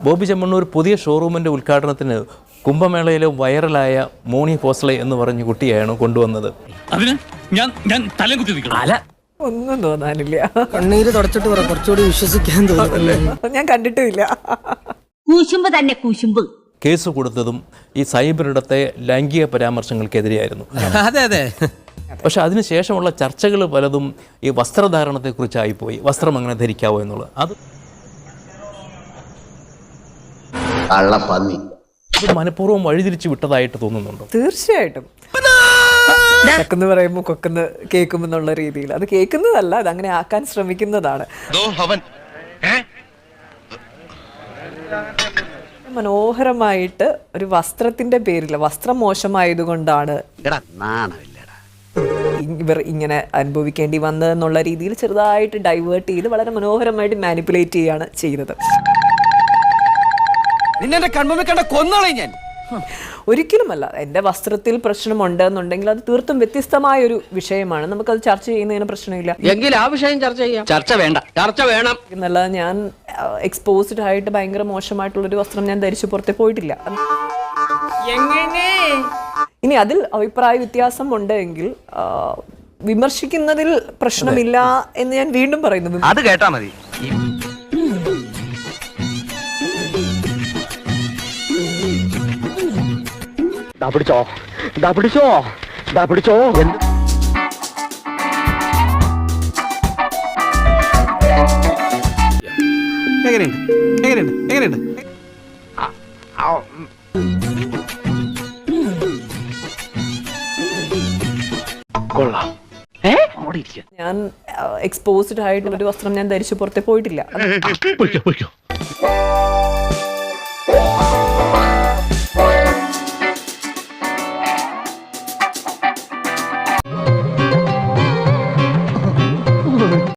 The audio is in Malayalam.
ബോബി ചെമ്മണ്ണൂർ പുതിയ ഷോറൂമിൻ്റെ ഉദ്ഘാടനത്തിന് കുംഭമേളയിലെ വൈറലായ മോണി ഫോസ്ലെ എന്ന് പറഞ്ഞ കുട്ടിയാണ് കൊണ്ടുവന്നത്. അതിന് ഞാൻ തലം കുത്തി നിൽക്കണം. ഒന്നും തോന്നാനില്ല. കണ്ണീര് തുടച്ചിട്ട് കുറച്ചുകൂടി വിശ്വസിക്കാൻ തോന്നുന്നു. ഞാൻ കണ്ടിട്ടുമില്ല. കൂശുമ്പ് തന്നെ കൂശുമ്പ്. കേസ് കൊടുത്തതും ഈ സൈബറിടത്തെ ലൈംഗിക പരാമർശങ്ങൾക്കെതിരെയായിരുന്നു. അതെ അതെ. പക്ഷെ അതിനുശേഷമുള്ള ചർച്ചകൾ പലതും ഈ വസ്ത്രധാരണത്തെക്കുറിച്ചായിപ്പോയി. വസ്ത്രം അങ്ങനെ ധരിക്കാവോ എന്നുള്ളത് അത് മനഃപൂർവ്വം വഴിതിരിച്ചു വിട്ടതായിട്ട് തോന്നുന്നുണ്ടോ? തീർച്ചയായിട്ടും. കൊക്കെന്ന് പറയുമ്പോൾ കൊക്കെന്ന് കേൾക്കുമെന്നുള്ള രീതിയിൽ അത് കേൾക്കുന്നതല്ല, അത് അങ്ങനെ ആക്കാൻ ശ്രമിക്കുന്നതാണ്. മനോഹരമായിട്ട് ഒരു വസ്ത്രത്തിന്റെ പേരിൽ, വസ്ത്രം മോശമായതുകൊണ്ടാണ് ഇവർ ഇങ്ങനെ അനുഭവിക്കേണ്ടി വന്നതെന്നുള്ള രീതിയിൽ ചെറുതായിട്ട് ഡൈവേർട്ട് ചെയ്ത് വളരെ മനോഹരമായിട്ട് മാനിപ്പുലേറ്റ് ചെയ്യാണ് ചെയ്തത്. ഒരിക്കലുമല്ല. എൻ്റെ വസ്ത്രത്തിൽ പ്രശ്നമുണ്ട് എന്നുണ്ടെങ്കിൽ അത് തീർത്തും വ്യത്യസ്തമായ ഒരു വിഷയമാണ്. നമുക്കത് ചർച്ച ചെയ്യുന്നതിന് പ്രശ്നമില്ല. എങ്കിൽ ആ വിഷയം ചർച്ച ചെയ്യാം. ചർച്ച വേണ്ട, ചർച്ച വേണം എന്നല്ല, ഞാൻ എക്സ്പോസ്ഡ് ആയിട്ട് ഭയങ്കര മോശമായിട്ടുള്ളൊരു വസ്ത്രം ഞാൻ ധരിച്ചു പുറത്തെ പോയിട്ടില്ല. ഇനി അതിൽ അഭിപ്രായ വ്യത്യാസം ഉണ്ടെങ്കിൽ വിമർശിക്കുന്നതിൽ പ്രശ്നമില്ല എന്ന് ഞാൻ വീണ്ടും പറയുന്നു. അത് കേട്ടാ മതി. പിടിച്ചോ പിടിച്ചോ പിടിച്ചോ. എങ്ങനെയുണ്ട് കൊള്ളാം. ഞാൻ എക്സ്പോസ്ഡ് ആയിട്ടുള്ളൊരു വസ്ത്രം ഞാൻ ധരിച്ചു പുറത്തെ പോയിട്ടില്ല.